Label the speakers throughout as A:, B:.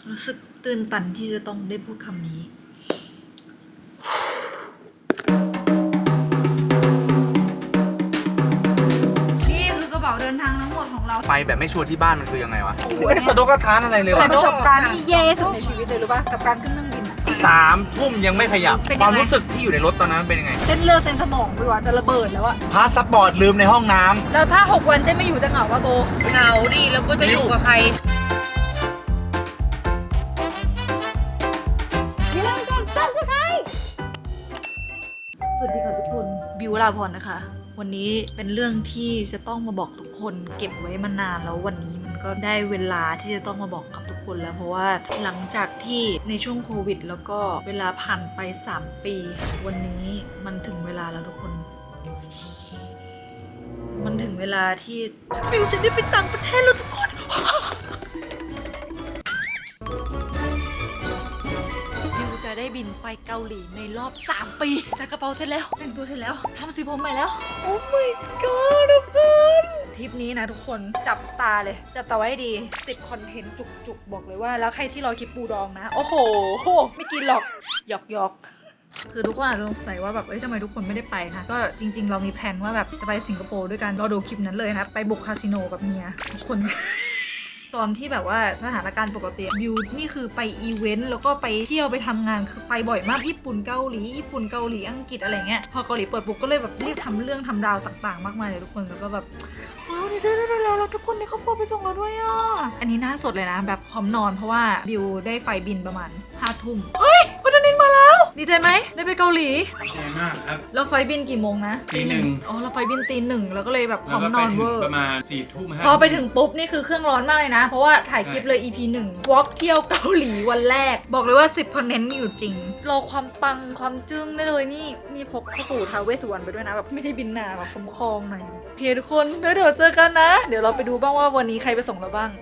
A: รู้สึกตื่นตันที่จะต้องได้พูดคำนี้นี่คือกระเป๋าเดินทางทั้งหมดของเรา
B: ไปแบบไม่ชัวร์ที่บ้านมันคือยังไงวะสะดวกกระทานอะไรเลย
A: แต่
B: วะ
A: ประสบการณ์ที่แย่ที่สุดในชีวิตเลยรู้ป่ะกับการขึ้นเครื่องบิน
B: 3 ทุ่มยังไม่ขยับ ความรู้สึกที่อยู่ในรถตอนนั้นเป็นยังไง
A: เส้นเลือดเส้นสมองไปว่าจะระเบิดแล้วอะ
B: พาสปอร์ตลืมในห้องน้ำ
A: แล้วถ้า6 วันเจ๊ไม่อยู่จะเหงาป่ะโบเหงาดิแล้วโบจะอยู่กับใครอย่าลืมกด Subscribe สวัสดีค่ะทุกคนบิวลาพรนะคะ วันนี้เป็นเรื่องที่จะต้องมาบอกทุกคนเก็บไว้มานานแล้ววันนี้มันก็ได้เวลาที่จะต้องมาบอกกับทุกคนแล้วเพราะว่าหลังจากที่ในช่วงโควิดแล้วก็เวลาผ่านไป3 ปีวันนี้มันถึงเวลาแล้วทุกคน มันถึงเวลาที่บิวจะได้ไปต่างประเทศแล้วทุกคนบิวจะได้บินไปเกาหลีในรอบ3 ปีจัดกระเป๋าเสร็จแล้วแต่งตัวเสร็จแล้วทำสีผมใหม่แล้วโอ้ my god ทุกคนทริปนี้นะทุกคนจับตาเลยจับตาไว้ให้ดี10 คอนเทนต์จุกๆบอกเลยว่าแล้วใครที่รอคลิปปูดองนะโอ้โหไม่กินหรอกหยอกคือทุกคนอาจจะสงสัยว่าแบบทำไมทุกคนไม่ได้ไปคะก็จริงๆเรามีแผนว่าแบบจะไปสิงคโปร์ด้วยกันรอดูคลิปนั้นเลยนะไปบุกคาสิโนกับเมียทุกคน ตอนที่แบบว่าสถานการณ์ปกติบิวนี่คือไปอีเวนต์แล้วก็ไปเที่ยวไปทำงานคือไปบ่อยมากญี่ปุ่นเกาหลีอังกฤษอะไรเงี้ยพอเกาหลีเปิดปุ๊บก็เลยแบบรีบทำเรื่องทำราวต่างๆมากมายเลยทุกคนแล้วก็แบบว้าวได้แล้วทุกคนในครอบครัวไปส่งเราด้วยอ่ะอันนี้น่าสดเลยนะแบบพร้อมนอนเพราะว่าบิวได้ไฟบินประมาณ5 ทุ่มเฮ้ยคุณธนินมาแล้วดีใจไหมได้ไปเกาหลี
B: ดีใจมากครับ
A: แล้วไฟบินกี่โมงนะ
B: ตี 1
A: อ๋อเราไฟบินตี 1แล้วก็เลยแบบพร้อมนอนเวอร์
B: ประมาณ4 ทุ่ม
A: พอไปถึงปุ๊บนี่คือเครื่องร้อนมากเลยนะเพราะว่าถ่ายคลิปเลย EP 1 วอล์กเที่ยวเกาหลีวันแรกบอกเลยว่า10 คอนเทนต์มีอยู่จริงรอความปังความจึ้งได้เลยนี่พกพ่อปู่ท้าวเวสสุวรรณไปด้วยนะแบบไม่ได้บินหนาแบบคอมๆหน่อยโอเคทุกคนเดี๋ยวเจอกันนะเดี๋ยวเราไปดูบ้างว่าวันนี้ใครไปส่งเราบ้าง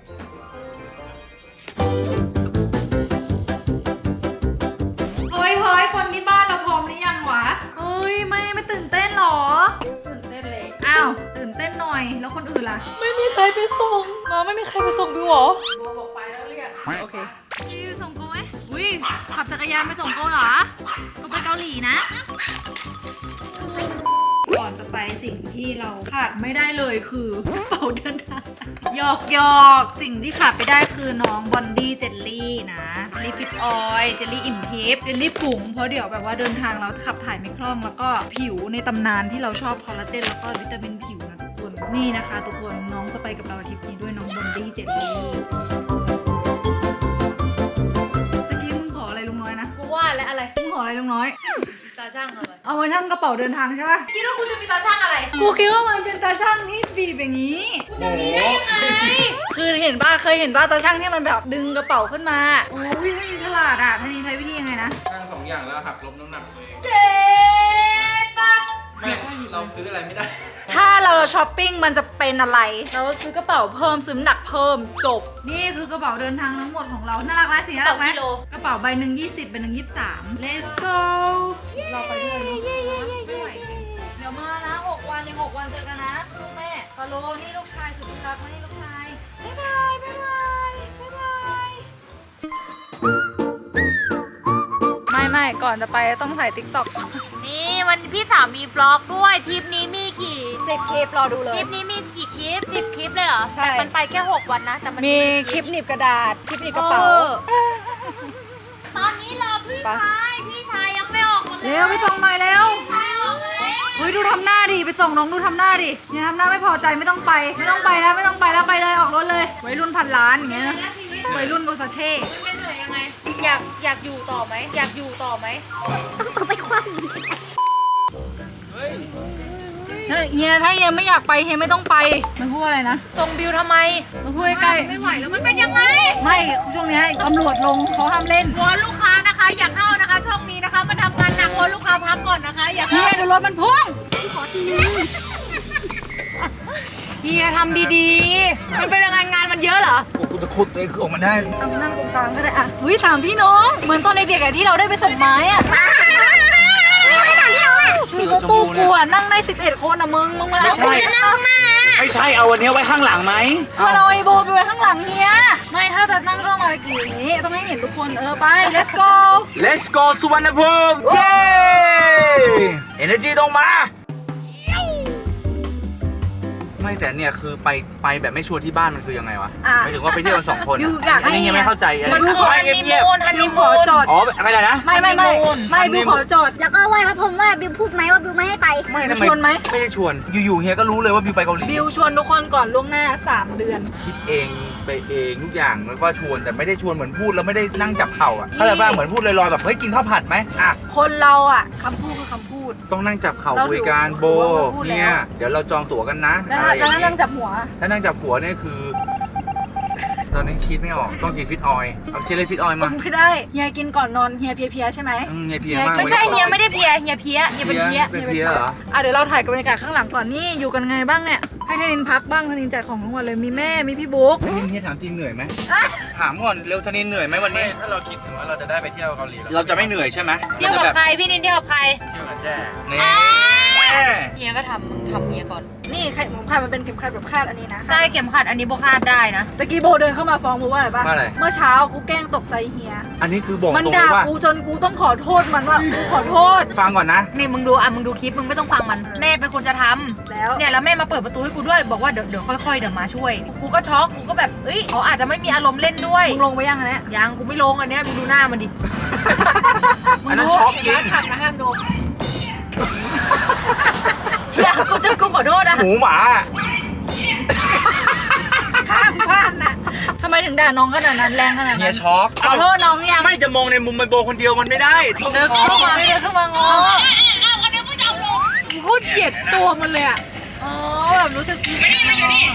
A: เฮ้ยคนที่บ้านเราพร้อมหรือยังวะเฮ้ยไม่ตื่นเต้นหรอตื่นเต้นเลยอ้าวตื่นเต้นหน่อยแล้วคนอื่นล่ะไม่มีใครไปส่งมาไม่มีใครไปส่งดูหรอบอกไปแล้วเรียกโอเคพี่ส่งกูไหมอุ้ยขับจักรยานไปส่งกูเหรอกูไปเกาหลีนะก่อนจะไปสิ่งที่เราขาดไม่ได้เลยคือกระเป๋าเดินทางหยอกสิ่งที่ขาดไปได้คือน้องบอนดี้เจลลี่นะเจลลี่ฟิตออยล์เจลลี่อิ่มทิพย์เจลลี่ผงเพราะเดี๋ยวแบบว่าเดินทางเราขับถ่ายไม่คล่องแล้วก็ผิวในตำนานที่เราชอบคอลลาเจนแล้วก็วิตามินผิวนะทุกคนนี่นะคะทุกคนน้องจะไปกับเราทริปนี้ด้วยน้องบอนดี้เจลลี่เมื่อกี้มึงขออะไรลุงน้อยนะกูว่าและอะไรมึงขออะไรลุงน้อยตาช่างอะไรเอามาช่างกระเป๋าเดินทางใช่ปะคิดว่ากูจะมีตาช่างอะไรกูคิดว่ามันเป็นตาช่างที่บีบอย่างนี้กูจะมีได้ยังไงคือเคยเห็นป้าตาช่างที่มันแบบดึงกระเป๋าขึ้นมาโอ้ยท่านี้ฉลาดอ่ะท่านี้ใช้วิธียังไงนะ
B: ทั้ง2 อย่างแล้วหักลบน้ำหนักตัวเอง
A: เจ็บปะ
B: ไม่เราซื้ออะไรไม่ได้
A: ถ้าเราช้อปปิ้งมันจะเป็นอะไรเราซื้อกระเป๋าเพิ่มซื้อน้ำหนักเพิ่มจบนี่คือกระเป๋าเดินทางทั้งหมดของเราน่ารักไหมสีน่ารักไหมกระเป๋าใบหนึ่ง20ใบหนึ่ง23 let's go เราไปด้วยเนาะไม่ไหวเดี๋ยวมานะ6 วันยัง6 วันเจอกันนะลูกแม่ฟาโลนี่ลูกชายสุดที่รักมานี่ลูกชายบ๊ายบายไม่ก่อนจะไปต้องถ่าย TikTok
C: นี่วันพี่สาวมีบล็อกด้วยทริปนี้มีกี่
A: 10 คลิปรอดูเลย
C: ทริปนี้มีกี่คลิป10 คลิปเลยเหรอ
A: ใช่
C: แต่มันไปแค่6 วันนะแต่มัน
A: มีคลิปหนีบกระดาษคลิปหนีบกระเป๋า
C: ตอนนี้รอพี่ชายยังไม่ออกมาเลย
A: เร็วไปส่งหน่อยเร็ว
C: พี่ชายออกมาแล้ว
A: เฮ้ยดูทำหน้าดิไปส่งน้องดูทำหน้าดิอย่าทำหน้าไม่พอใจไม่ต้องไปแล้วไปเลยออกรถเลยวัยรุ่นพันล้านอย่างเงี้ยวัยรุ่นโบซาเช่
C: มันเป็นเหนื่อยยังไงอยากอยู่ต่อไหมต้องไปคว่ำ
A: เฮียถ้าเฮียไม่อยากไปเฮียไม่ต้องไปมันพูดอะไรนะ
C: ส่งบิวทำไม
A: มันพูดใกล้
C: ไม่ไหวแล้วมันเป็นยังไงวอนลูกค้านะคะอย่าเข้านะคะช่องนี้นะคะมันทำงานหนักวอนลูกค้าพักก่อนนะคะอย่า
A: เฮี
C: เข้าย
A: ดูรถมันพุ่ง
C: ขอทีนึง
A: เฮียทำดีๆ
C: มันเป็นยังไงงานมันเยอะเหรอ
B: กูจะขุดตัวเองออกมาได้
A: ทำนั่งตรงกลางก็ได้อ่ะอุ้ยถามพี่น้องเหมือนตอนเด็กๆที่เราได้ไปส่งไม้อ่ะเธคือรถตู้กูอะนั่งได้11 คนอะมึงมา
B: ไม่ใช่
C: จะนั่งข้างหน้า
B: ไม่ใช่เอาวันนี้ไว้ข้างหลังไหม
A: มาเอาไอโบไปไว้ข้างหลังเฮียไม่ถ้าจะนั่งก็มากี่นี้ต้องให้เห็นทุกคนไป let's go
B: Let's go สุวรรณภูมิเย้ Energy ต้องมา ไม่แต่เนี่ยคือไปแบบไม่ชวนที่บ้านมันคือยังไงวะหมายถึงว่าไปเที่ยวกัน2 คน
A: บิวอยาก
B: อันนี้ยังไม่เข้าใจอัน
C: มัน
B: นี้
C: คือ
B: ไม่
C: ฮันนี
B: เงียบ
C: มูนฮันนี
A: ข
C: มู
A: อน จอด
B: ๆอ๋ออะไรนะ
A: ไม่บิวขอจอด
D: แล้วก็ไหว้พระพรหมว่าบิวพูดไหมว่าบิวไม่ให้ไป
B: ไม่
A: บิ
B: ทำ
A: ว
B: ไม
A: ชวนไหม
B: ไม่ได้ชวนอยู่ๆเฮียก็รู้เลยว่าบิวไปเกาหลี
A: บิวชวนทุกคนก่อนล่วงหน้า3 เดือน
B: คิดเองไปเองทุกอย่างแล้วก็ชวนแต่ไม่ได้ชวนเหมือนพูดแล้วไม่ได้นั่งจับเข่าอ่ะเข้าใจป่ะเหมือนพูดลอยๆแบบเฮ้ยกินข้าวผัดไหมอ่ะ
A: คนเราอ่ะคำพูดคือคำพูด
B: ต้องนั่งจับเข่า
A: เรา
B: คุยกัน
A: ถือ
B: โบ
A: ว่าพูดแล้ว
B: เนี่ยเดี๋ยวเราจองตั๋วกันนะ
A: แล้ว
B: อะไรอย่าง
A: นั่
B: เงี้
A: ง
B: ย
A: จับหัว
B: ถ้านั่งจับหัวเนี่ยคือ ตอนนี้คิดไม่ออกต้องกินฟิตออยล์เอาเคเลยฟิตออยล์มา
A: ไม่ได้เฮียกินก่อนนอนเฮียเพลียๆใช่ไหม
B: เฮียเพลียมาก
C: ไม่ใช่เฮียไม่ได้เพลียเฮียเพี้ยเฮียเป็นเพี้ย
B: เป็นเพลียเหรอ
A: เดี๋ยวเราถ่ายกับบรรยากาศข้างหลังก่อนนี่อยู่กันไงบ้างเนี่ยให้ธนินพักบ้างธนินจัดของทั้งวันเลยมีแม่มีพี่บุ๊ก
B: ธนินเฮียถามจริงเหนื่อยไหมถามก่อนเร็วธนินเหนื่อยไหมวันนี้ถ้าเราคิดถึงว่าเราจะได้ไปเที่ยวเกาหลีเราจะไม่เหนื่อยใช่ไหม
C: เที่ยวกับใครพี่นินเที่ยวกับใคร
B: เที่ยวกับแจ้นี่
C: เฮียก็ทำมึงทำเฮียก่อน
A: นี่ไข่หมูคาดมันเป็นเข็มขัดแบบคาดอันนี้นะ
C: ใช่เข็มขัดอันนี้โบคาดได้นะ
A: ตะกี้โบเดินเข้ามาฟ้องโบว่าอะไรปะ
B: ว่าอะไร
A: เมื่อเช้ากูแกล้งตกใจเฮีย
B: อันนี้คือบอก
A: มัน
B: ตรง
A: ด่า
B: เลยว่า
A: กูจนกูต้องขอโทษมันว่ากูขอโทษ
B: ฟังก่อนนะ
C: นี่มึงดูมึงดูคลิปมึงไม่ต้องฟังมัน แม่เป็นคนจะทำ
A: แล้ว
C: เนี่ยแล้วแม่มาเปิดประตูให้กูด้วยบอกว่าเดี๋ยวค่อยๆเดี๋ยวมาช่วย กูก็ช็อกกูก็แบบเอ้ยเขาอาจจะไม่มีอารมณ์เล่นด้วย
A: มึงลงไปยังอันเนี้ย
C: ยังกูไม่ลงอันเนี้ยมึงดูหน้ามันดิ
B: อันนั้นช็อกจริง
A: ผักนะห้ามโดน
C: อย่ากูจะกูขอโทษนะ
B: หมูหมา
A: ห้ามพลาดนะทำไมถึงด่าน้องขนาดนั้นแรงขนาด
B: เฮีย
A: นั้น
B: ช็อก
A: ขอโทษน้องยัง
B: ไม่จะมองในมุมมันโบคนเดียวมันไม่ได้
C: เดินเข้ามา
A: ไม่ได้เข้ามางอ
C: กูโคตรเกลียดตัวมันเลยอ่ะ
A: อ๋อแบบรู้สึกผิดมาอยู่นี่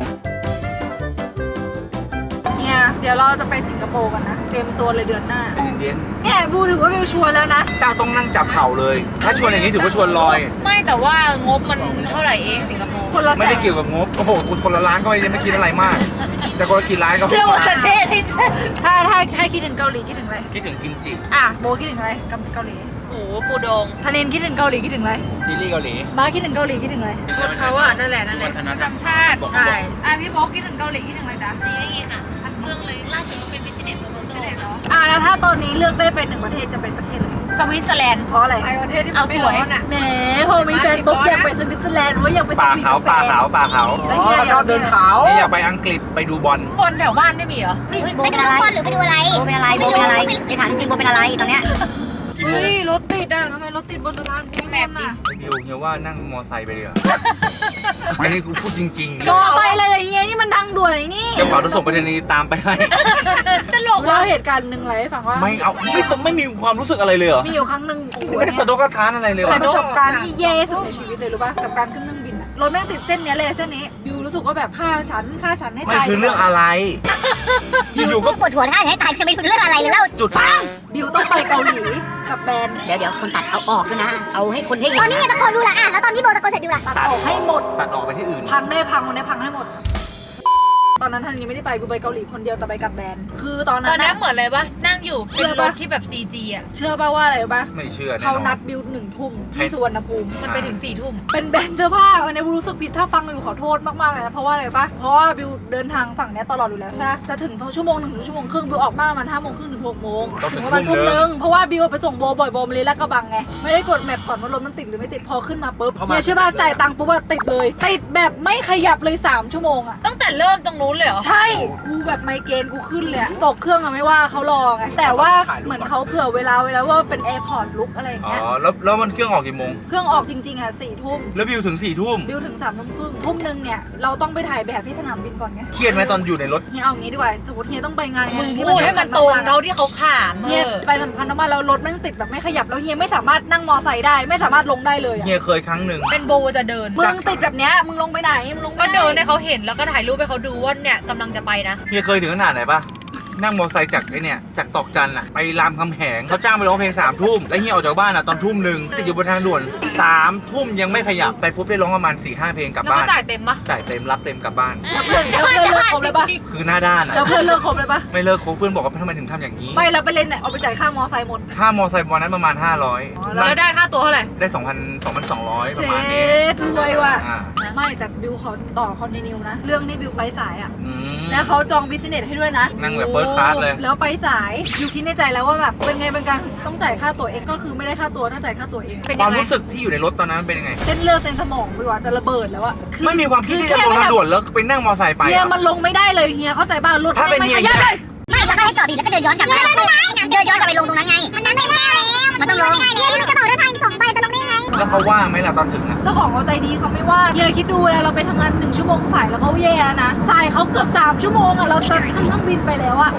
A: เนี่ยเดี๋ยวเราจะไปสิงคโปร์กันนะเตรียมตัวเลยเดือนหน้า
B: เย็น
A: เนี่ยบูถือว่าบิวชวนแล้วนะ
B: ๆเจ้าต้องนั่งจับเข่าเลย ถ้าชวนอย่างนี้ถือว่าชวนลอย
C: ไม่แต่ว่างบมันเท่าไหร่เองสิงคโปร์
A: คนละ
B: ไม่ได้เกี่ยวกับงบ โอ้โหคนละล้านก็ไม่คิดอะไรมาก แต่คนละกี่ล้านก็
C: เสื้อวาซาเช่ที่
A: ถ้าคิดถึงเกาหลีคิดถึงอะไร
B: คิดถึงกิมจิ
A: โบคิดถึงอะไรกับเกาหลี
C: โอ้โหปูดง
A: ธนินคิดถึงเกาหลีคิดถึงอะไร
B: ซีรีส์เกาหลี
A: มาคิดถึงเกาหลีคิดถึงอะไร
C: ชนเขาอ่ะนั่นแหละนั่นแหละ
B: วัฒนธรรม
A: ชาติ
B: บอก
A: ใช่พี่โบคิดถึงเกาหลีคิดถึงอะไรจ๊ะ
D: ซีรีส์ค่ะทั้งเรื่องเลยล่าสุดก็เป็น Business Proposal ค่ะ
A: แล้วถ้าตอนนี้เลือกได้เป็นหนึ่งประเทศจะเป็นประเทศอะไร
C: สวิตเซอร์แลนด์
A: เพราะอะไรประเทศที่
C: เอาสวย
A: แหมพอมีแฟนปุ๊บอยากไปสวิตเซอร์แลนด์ว่าอยากไป
B: ป่าขาวป่าขาวป่าขาว
A: แล้วเฮียชอบเดินเขา
B: นี่อยากไปอังกฤษไปดูบอล
C: คนแถวบ้านไม่มีเหรอ
D: ไปดูลูกบอลหรือไปดูอะไร
E: โบเป็นอะไรโบเป็นอะไรไอ้ถามจริงๆโบเป็นอะไรตอนเนี้ย
A: เฮ้ยรถติดอ่ะทำไมรถติดบนสะพานพุทธ
C: แมพดิ
B: ดิวเฮียว่านั่งมอไซค์ไปเดี๋ยวอันนี้กูพูดจริงๆ
A: รอไปเลยเฮียนี่มันทางด่วนไอ้นี่
B: เจ้าบ่าวจะส่งไปรษณีย์ตามไปให้
C: ตลก
A: เล่า
C: ว่ะ
A: เหตุการณ์หนึ่งเลยให้ฟังว่า
B: ไม่มีความรู้สึกอะไรเลยเหรอ
A: มีอยู่ครั้งหนึ่งโอ้โห
B: ไม่ได้
A: เนี่ย
B: สะดกกระทานอะไรเลย
A: เป็น
B: วะ
A: ประสบการณ์ที่แย่ที่สุดในชีวิตเลยรู้ป่ะกับการขึ้นเครื่องบินอะรถแม่งติดเส้นเนี้ยเลยเส้นนี้บิวรู้สึกว่าแบบฆ่าฉันให้
B: ไม่
A: ตาย
B: คือเรื่องอะไร อยู่ๆก็
E: ปวดหัวท่าจะให้ตายจะไม่คุณเรื่องอะไรเลยเล่า
B: จุดปัง
A: บิวต้องไปเกาหลีกับแบรนด์
E: เดี๋ยวคนตัดเอาออกด้วยนะ เอาให้คนให้เห็
D: ตอน นนี้ไงตะโกนดูล่ะแล้วตอนที่โบตะโกนเสร็จดูล่ะ
A: ตัดออกให้หมด
B: ตัดออกไปที่อื่น
A: พังได้พังวันนี้พังให้หมด ตอนนั้นท่านนี้ไม่ได้ไปบิวไปเกาหลีคนเดียวแต่ไปกับแบรนด์คือตอน
C: ต
A: นั้
C: อน
A: น
C: นั้
A: น่ะ
C: นเหมือนเลยปะนั่งอยู่
A: เชื่
C: เป็น
A: อ
C: ร
A: ปะ
C: ถที่แบบ CG อ่ะ
A: เชื่อป่ะว่าอะไรรู้ป่ะ
B: ไม่เชื่อแน่
A: เขา
B: นอ
A: นั
B: น
A: ดบิว1 ทุ่มที่สุวรรณภูมิ
C: มันไปถึง4 ทุ่ม
A: เป็นแบรนด์เสื้อผ้าวันนี้บิวรู้สึกผิดถ้าฟังบิวขอโทษมากๆเลยนะเพราะว่าอะไรปะเพราะว่าบิวเดินทางฝั่งเนี้ยตลอดอยู่แล้วใช่ไหมจะถึงชั่วโมง 1 ถึงชั่วโมงครึ่งบิวออกมาประมาณ5 โมงครึ่งถึง6 โมง
B: ต้องถึง
A: ประมาณ
B: ทุ่ม
A: 1
B: นึ
A: ทุ่
B: ง
A: มเพราะว่าบิวไปส่งโบบ่อยโบมาเลยลาดกระบังไงไม่ได้กดแมปก่อนว่ารถมันติดหรือไม่ติดพอขึ้นมาปุ๊บเนี่ยใช่ป่ะจ่ายตังค์ปุ๊บอะติดเลยติดแบบไม่ขยับเลย3 ชั่วโมงอะ
C: ตั้งแต่เริ่มตรงนู้นเลยเหรอ
A: ใช่กูแบบไมเกรนกูขึ้นเลยอะตกเครื่องอะไม่ว่าเขารอไงแต่ว่าเหมือนเขาเผื่อเวลาไว้แล้วว่าเป็นแอร์พอร์ตลุกอะไรอย่าง
B: อ๋อ
A: เงี้ย
B: แล้วมันเครื่องออกกี่โมง
A: เครื่องออกจริงๆอะ4 ทุ่ม
B: แล้วบิวถึง4 ทุ่ม
A: บิวถึง3 ทุ่มครึ่งทุ่มนึงเนี่ยเราต้องไปถ่ายแบบที่สนามบินก่อนไง
B: เครียดไหมตอนอยู่ในรถ
A: เฮียเอางี้ดีกว่าสมมติเฮียต้องไปงาน
C: มึง
A: ที่
C: พูดให้มันตรง
A: สำคัญ
C: เท่า
A: ๆอะ
C: ที่เขาขาม
A: เฮียไปสำคัญมากๆแล้วรถแม่งติดแบบไม่ขยับแล้วเฮียไม่สามารถนั่งมอไซค์ได้ไม่สามารถลงได้เลยอะ
B: เฮียเคยครั้งหนึ่ง
C: เป็นโบจะเดิน
A: มึงติดแบบเนี้ยมึงลงไปไหนมึงลงไม่
C: ก็
A: ได้
C: เดินให้เขาเห็นแล้วก็ถ่ายรูปให้เขาดูว่าเนี่ยกำลังจะไปนะ
B: เฮียเคยถึงขนาดไหนปะนั่งมอเตอร์ไซค์จากไอ้เนี่ยจากตอกจันอะไปรามคำแหงเขาจ้างไปร้องเพลง3 ทุ่มแล้วเฮียออกจากบ้านอะตอนทุ่มหนึ่งติดอยู่บนทางด่วน3 ทุ่มยังไม่ขยับไปปุ๊บได้ร้องประมาณ 4-5 เพลงกลับ
C: แล้ว
B: บ้า
C: ก็
B: น
C: จ่ายเต็มปะ
B: จ่ายเต็มรับเต็มกลับบ้าน
A: แล้วเพื่อนเลิกครบเลยปะ
B: คือหน้าด้านอะ
A: แล้วเพื่อนเลิกครบเลยปะ
B: ไม่เลิกคบเพื่อนบอกว่าทำไมถึงทำอย่างนี้
A: ไม่แล้วไปเล่นเนี่ยเอาไปจ่ายค่ามอไซค์หมด
B: ค่ามอเตอร์ไซค์วันนั้นประมาณ500
C: แล้วได้ค่าตัวเท่าไหร่
B: ได้ 2,200 ป
A: เจ็
B: ระมาณนี้
A: ดรวยว่ะ
B: อ่า
A: ไม่แต่บิวขอต่อคอนติเนียนะ เรื่องที่บิวไปสายอ่ะ
B: อืม
A: แล้วเขาจองบิสเนสให้ด้วยนะ
B: นั่งแบบ first class เลย
A: แล้วไปสายบิวคิดในใจแล้วว่าแบบเป็นไงเป็นการต้องจ่ายค่าตั๋วเองก็คือไม่ได้ค่าตั๋วต้องจ่ายค่าตั๋วเองเป็น
B: ควา
A: ยั
B: ม
A: งไง
B: รู้สึกที่อยู่ในรถตอนนั้นเป็นยังไง
A: เส้นเลือดเส้นสมองบิวอะจะระเบิดแล้วอะอ
B: ไม่มีความคิดที่จะลงทางด่วนแล้วไปนั่งมอไซค์ไป
A: เฮีย
B: เหรอ
A: มันลงไม่ได้เลยเฮียเข้าใจป่ะรถ
B: ถ้าเป็น
A: ไม่
B: เฮีย
A: ขยับเลย
E: ไม่แล้วก็ให้จอดดิแล้วก็เดินย้อนกลับมาไม่ได้เดินย้อนกลับไปลงตรงนั้นไงมันไม่ได้แล้วมันต้องลงไม่ได้เลยมีกระเป๋าเดินทาง2 ใบจะลงได้ไง
B: แล้วเขาว่าไหมล่ะตอนถึงอะ
A: เจ้าของเขาใจดีเขาไม่ว่าเฮียคิดดูเลยเราไปทำงาน1 ชั่วโมงสายแล้วเขาแย่นะสายเขาเกือบ3 ชั่วโมงอะเราจะขึ้นเครื่องบินไปแล้วอะ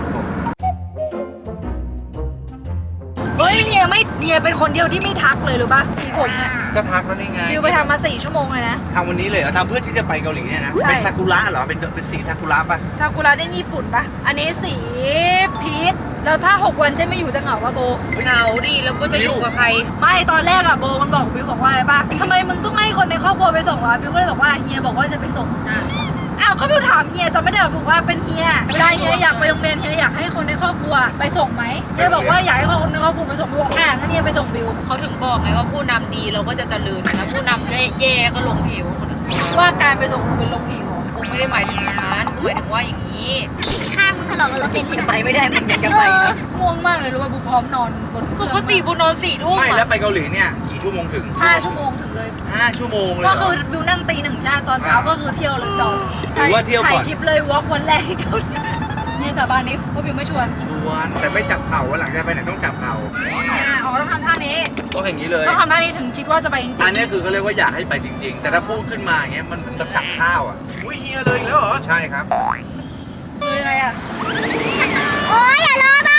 A: เฮ้ยเฮียเป็นคนเดียวที่ไม่ทักเลยหรือปะผมอะ
B: ก็ทักแล้วนี่ไง
A: บิวไปทำมา4 ชั่วโมงเลยนะ
B: ทำวันนี้เลยเหรอทำเพื่อที่จะไปเกาหลีเนี่ยนะ
A: ใช่
B: เป็นซากุระเหรอ เป็นสีซากุระป่ะ
A: ซากุระนี่ญี่ปุ่นปะอันนี้สีพีชแล้วถ้า6 วันเจ๊ไม่อยู่จะเหงาปะโบ
C: เหงาดิแล้วก็จะอยู่กับใคร
A: ไม่ตอนแรกอะโบมันบอกบิวบอกว่าอะไรปะทำไมมึงต้องให้คนในครอบครัวไปส่งวะบิวก็เลยบอกว่าเฮียบอกว่าจะไปส่งอ้าวก็บิวถามเฮียจำไม่ได้หรอบอกว่าเป็นเฮียเวลาเฮียอยากไปโรงเรียนเฮียอยากให้คนในครอบครัวไปส่งไหมเฮียบอกว่าอยากให้คนในครอบครัวไปส่งบิวบอกงั้นเฮียไปส่งบิว
C: เขาถึงบอกไงว่าผู้นำดีเราก็จะเจริญนะผู้นำแย่ก็ลงเหวหมดอะ
A: ว่าการไปส่งคือเป็นลงเหว
C: กูไม่ได้หมายถึงอย่างนั้นกูหมายถึงว่าอย่างนี้
E: ข้างถลอกกับรถเป็นที่ไปไม่ได้มันอยากจะ
A: เอ
E: ไป
A: อง่วงมากเลยรู้ป่ะบิวพร้อมนอนบนเค
C: ป
A: รื่อง
C: กติกูนอน4 ทุ่ม
B: ไม่แล้
C: อะ
B: วไปเกาหลีเนี่ยกี่ชั่วโมงถึง
A: 5 ชั่วโมงถึงเลย
B: 5 ชั่วโมงเลยเหร
A: ก็คือบิวนั่งตี 1ชาติตอนเช้าก็คือเที่ยวเลยต่อ
B: ถือว่าเที่ยวก่อน
A: ถ่ายคลิปเลยวอล์กวันแรกที่เกาหลีเนี่ยสาบานนี้ว่าบิวไม่ชวน
B: ชวนแต่ไม่จับเข่าวันหลังจะไปไหนต้องจับเข่า
A: อ๋อต้องทำท่านี้
B: ต้องอย่างนี้เลย
A: ต้องทำท่านี้ถึงคิดว่าจะไปจริงๆ
B: อันนี้คือเขาเรียกว่าอยากให้ไปจริง ๆ แต่ถ้าพูดขึ้นมาอย่างเงี้ยมันเหมือนกับสั่งข้าวอ่ะอุ้ยเฮียเลยอีกแล้วเหรอ ใช่ครับ
A: คืออะไรอ่ะ
E: โอ้ยอย่ารอไป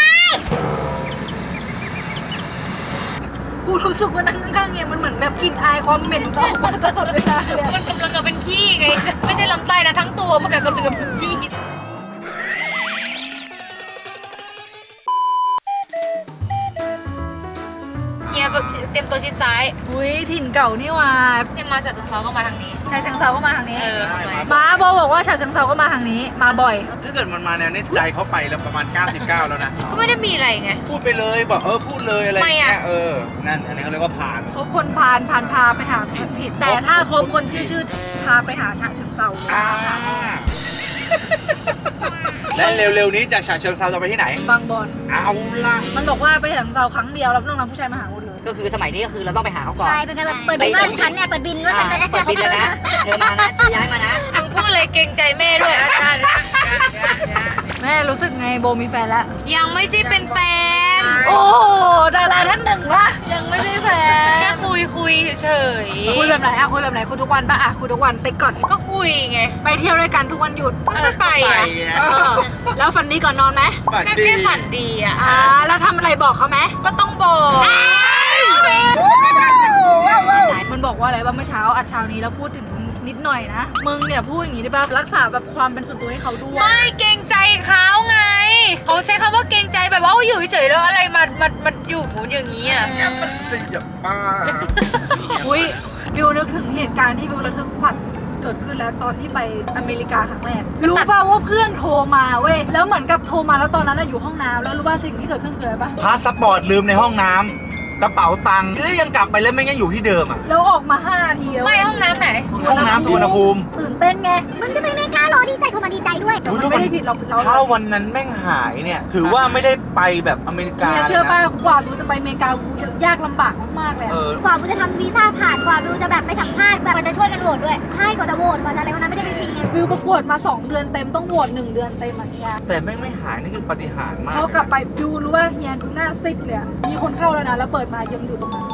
A: กูรู้สึกว่านั่งข้างๆเนี่ยมันเหมือนแบบกลินอายความเหม็นออกมาตลอดเวลาเลยอะ
C: มันกำลังจะเป็นขี้ไง ไม่ใช่ลำไส้นะทั้งตัวมันกำลังจะเป็นขี้เนี่ยแบบเตรียมตัวชิดซ้าย
A: อุ้ยถิ่นเก่านี่หว่า
C: เนี่ยมาจากเช้าก็มาทางนี้
A: ชาเชิงเซาก็มาทางนี้
C: เออทำไม
A: ม้าโบบอกว่าชาเชิงเซาก็มาทางนี้ มาบ่อย
B: ถ้าเกิดมันมาแนวนี้ใจเขาไปแล้วประมาณ 99 แล้วนะ
C: ก็ไม่ได้มีอะไรไง
B: พูดไปเลยบอกพูดเลยอะไรอย่างเงี้
C: ไม่
B: ย
C: อะ
B: นั่นอันนี้เขาเรียกว่าผ่าน
A: คบคนพาไปหาผิด แต่ถ้าคบคนชื่อพาไปหาชาเชิงเซาเลย
B: และเร็วๆนี้จากฉะเชิงเทราจะไปที่ไหน
A: บางบอน
B: เอาล่ะ
A: มันบอกว่าไปฉาเชิงเซาครั้งเดียวแล้วต้องนำผู้ชายมาหาหมดเลย
E: ก็คือสมัยนี้ก็คือเราต้องไปหาเขาก่อน
F: ใช่ เป็นการแบบเปิดบินว่าฉันเนี่ยเปิดบินว่าฉันจะ
E: เปิดบินแล้วนะเธอมานะเธอย้ายมานะ
C: มึงพูดเลยเกรงใจแม่ด้วยอาจารย์
A: แม่รู้สึกไงโบมีแฟนแล้ว
C: ยังไม่ใช่เป็นแฟน
A: โอ้ดาราท่านหนึ่งวะยังไม่ได้แฟ
C: แค่
A: น
C: คุยเฉย
A: คุยแบบไหนอะคุยแบบไหนคุยทุกวันปะอะคุยทุกวันติ๊กก่อน
C: ก็คุยไง
A: ไปเที่ยวด้วยกันทุกวันหยุด
C: ก็ไปอ่ะ
A: เออแล้วฝันดีก่อนนอนไหม
B: ฝัน
C: แค่
B: ดี
C: แค่ฝันดีอ่ะ
A: แล้วทำอะไรบอกเขาไหม
C: ก็ต้องบอก
A: มันบอกว่าอะไรว่าเมื่อเช้าอัดเช้านี้แล้วพูดถึงนิดหน่อยนะมึงเนี่ยพูดอย่างนี้ได้ป่ะรักษาแบบความเป็นส่วนตัวให้เขาด้วย
C: ไม่เกรงใจเขาไง เขาใช้คำว่าเกรงใจแบบว่าอยู่เฉยๆแล้วอะไรมันอยู่หมูอย่างนี้อ่ะ
B: มันสิอย่าบ้า
A: อุ้ยบิวนึกถึงเหตุการณ์ที่บิวระทึกขวัญเกิดขึ้นแล้วตอนที่ไปอเมริกาครั้งแรกรู้ป่ะว่าเพื่อนโทรมาเว้ยแล้วเหมือนกับโทรมาแล้วตอนนั้นน่ะอยู่ห้องน้ำแล้วรู้ป่ะสิ่งที่เกิดขึ้นคืออะไรป่ะ
B: พาสปอร์ตลืมในห้องน้ำกระเป๋าตังค์แล้วยังกลับไปแล้วไม่งั้นอยู่ที่เดิมอ่ะ
A: แล้วออกมา5 นาทีแล้ว
C: ไม่ห้องน้ำไหน
B: ห้องน้ำสุวรรณภูมิ
A: ตื่นเต้นไง
F: มึงจะไปอเมริกาเหรอดีใจโทรมาดีใจด้วย
A: แต่มันไม่ได้ผิดหรอกเรา
B: ถ้าวันนั้นแม่งหายเนี่ยถือว่าไม่ได้ไปแบบอเมริกา
A: เนี่ยเชื่อป่ะกว่าบิวจะไปอเมริกาบิวจะยากลำบากมากๆเลย
B: เอ
A: อะ
B: อ
F: กว่ากูจะทำวีซ่าผ่าน กว่าบิวจะแบบไปสัมภาษณ์แบบกว่าจะช่วยกันโหวตด้วย ใช่ กว่าจะโหวต กว่าจะอะไรวันนั้นไม่ได้ไปฟรีไง
A: บิวประกวดมา2 เดือนเต็มต้องโหวต1 เดือนเต็มอะเฮีย
B: แต่แม่งไม่หายนี่คือปาฏิหาริย์มาก
A: เขากลับไปบิวรู้ว่าเฮียดูหน้าซิดเลยอะมีคนเข้าแล้วนะแล้วเปิดมายังอยู่ตรงนั้น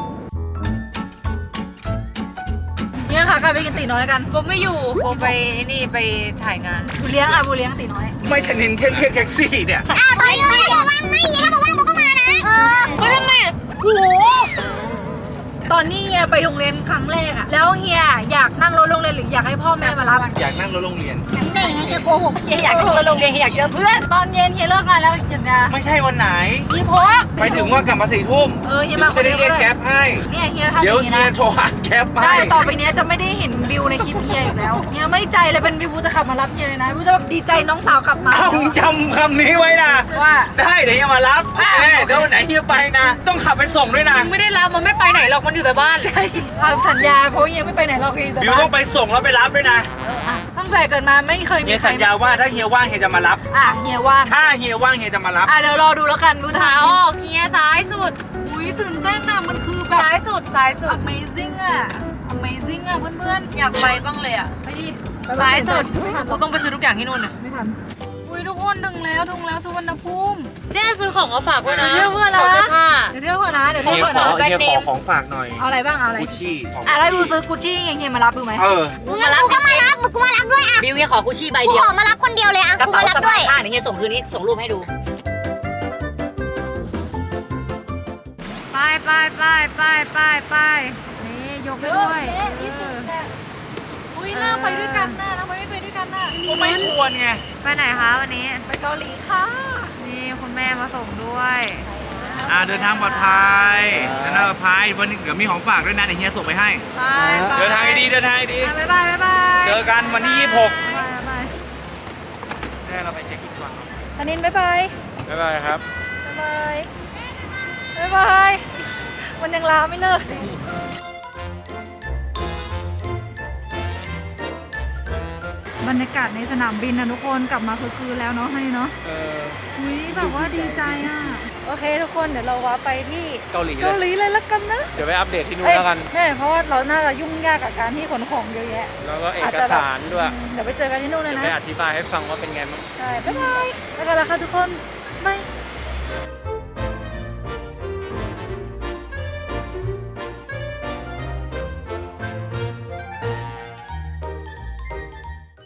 A: เนี่ยค่ะใครไปกินตีน้อยกัน
C: โบไม่อยู่โบไปนี่ไปถ่ายงาน
A: บูเลี้ยงอะบูเลี้ยงตีน้อย
B: ไม่ชนินแค่เรียกแท็กซี่เนี่ย
F: เฮ้ยถ้าบอกว่างไม่ถ้าบอกว่างโบก็มานะ
C: เฮ้ยทำไมอ่ะโห
A: ตอนนี้เฮียไปโรงเรียนครั้งแรกอะแล้วเฮียอยากนั่งรถโรงเรียนหรืออยากให้พ่อแม่มารับ
B: อยากนั่งรถโรงเรียน
F: น้ำเด็กไงจะโกหก
E: เฮียอยากเข้าโรงเรียนเฮียอยากเจอเพื่อน
A: ตอนเย็นเฮียเลิกงานแล้วเฮียจะ
B: ไม่ใช่วันไหน
A: มีโพส
B: ไปถึงว่ากลับมา4 ทุ่ม
A: เฮียมาค
B: จะ
A: น
B: ได้
A: เดียว
B: เรียก
A: ก็
B: แก๊
A: ได้
B: ปให้
A: เนี่ยเฮียทำอ
B: เดี๋ยว
A: ย่างนี้
B: เฮีย
A: นะ
B: โทรหาแก๊ปให้
A: ได้ต่อไปเนี้ยจะไม่ได้เห็นบิวในคลิปเฮียอีกแล้วเฮียไม่ใจเลยเป็นบิวจะขับมารับเฮียเลยนะบิวจะแบบดีใจน้องสาวกลับมา
B: เอาจำคำนี้ไว้นะ
A: ว่า
B: ได้เดี๋ยวเฮียมารับโอเคเดี๋ยววันไหนเฮียไปนะ ต้องขับไปส่งด้วยนะ
C: มึงไม่ได้รับมันไม่ไปไหนหรอกมันอยู่แต่บ้าน
A: ใช่สัญญาเพราะยังไม่ไปไหนหรอกอยู่แต่
B: บิวต้องไปส่งแล้วไปรับด้วยนะ
A: ตั้งแต่เกิดมาไม่เคยมี
B: เฮีย
A: ใคร
B: สัญญาว่าถ้าเฮียว่างเฮียจะมารับ
A: เฮียว่าง
B: ถ้าเฮียว่างเฮียจะมารับ
A: เดี๋ยวรอดูแล้วกันดู
C: ขา
A: ทาง
C: ออกเฮียซ้ายสุด
A: อุ้ยตื่นเต้นอ่ะมันคือแบบ
C: ซ้ายสุดซ้ายสุด
A: amazing อ่ะ amazing อ่ะเพื่อน
C: อยากไปบ้างเลยอ่ะ
A: ๆไปดิ
C: ซ้ายสุด
A: ไม่ทัน
C: กูต้องไปซื้อทุกอย่างที่นู่นอ่ะ
A: ไม่ทันอุ้ยทุกคนถึงแล้วสุวรรณภูมิ
C: เจ๊ซื้อของมาฝากด้วยนะ
A: เดี๋ยวเพื่อนนะ
C: ของเสื้อผ้า
A: เดี๋ยวเที่ยวก่อนนะเดี๋ยว
B: เฮี
A: เที่ย
B: ยว
A: ก่อน
B: ขอ
A: นะ
B: เฮียขอของฝากหน่อย
A: เอาอะไรบ้างเอาอะไร
B: กุชชี่ของ
A: ถ้าดูซื้อกุชชี่เฮียมารับดูไหม
E: กูก็มารับด้วยอ่ะ
G: บิวเนี่ยขอกุชชี่ใบ
E: กู
G: เดีย
E: ข
G: ว
E: อมารับคนเดียวเลยอ่ะ
G: กระ
E: กู
G: เป๋า
E: มารับ
G: สะ
E: ด้ว
G: พาย
E: ย
G: ข้างเดี๋ยวเนี่ยส่งคืนนี้ส่งรูปให้ดู
C: ไปไปไปไปไปไปนี่ยกไปด้วย
A: อุ้ยน่าไปด้วยกันน่ะทำไมไม่ไปด้วยกันน่ะ
B: ก็ไม่ชวนไง
C: ไปไหนคะวันนี้
A: ไปเกาหลีค่ะ
C: นี่คุณแม่มาส่งด้วย
B: เดินทางปลอดภัยเดินทางปลอดภัยวันนี้เดี๋ยวมีของฝากด้วยนะเดี๋ยวเฮียส่งไปให้
C: ไปไป
B: เดินทางดีเดินทางดี
A: บ๊ายบายบ๊ายบาย
B: เจอกันวันที่ 26
A: บ๊ายบาย
B: แม่เราไปเช็คอินก่อนเนาะ
A: ธนินบ๊ายบาย
B: บ๊ายบายครับ
A: บ๊ายบายบ๊ายบายมันยังลาไม่เลิกบรรยากาศในสนามบินนะทุกคนกลับมาคือแล้วเนาะให้เนาะอุ้ยแบบว่าดีใจอ่ะโอเคทุกคนเดี๋ยวเราว่าไปที่
B: เกาหลี
A: เกาหลีเลยละกันนะ
B: เดี๋ยวไปอัปเดตที่นู่นแล้วกัน
A: ใช่เพราะว่าเราน่าจะยุ่งยากกับการที่ขนของเยอะแยะ
B: แล้วก็เอกสารด้วย
A: เดี๋ยวไปเจอกันที่นู่นเลย
B: เดี๋ยว
A: นะ
B: ไปอธิบายให้ฟังว่าเป็นไงบ้าง
A: ใช่บ๊ายบายแล้วกันละค่ะทุกคนบาย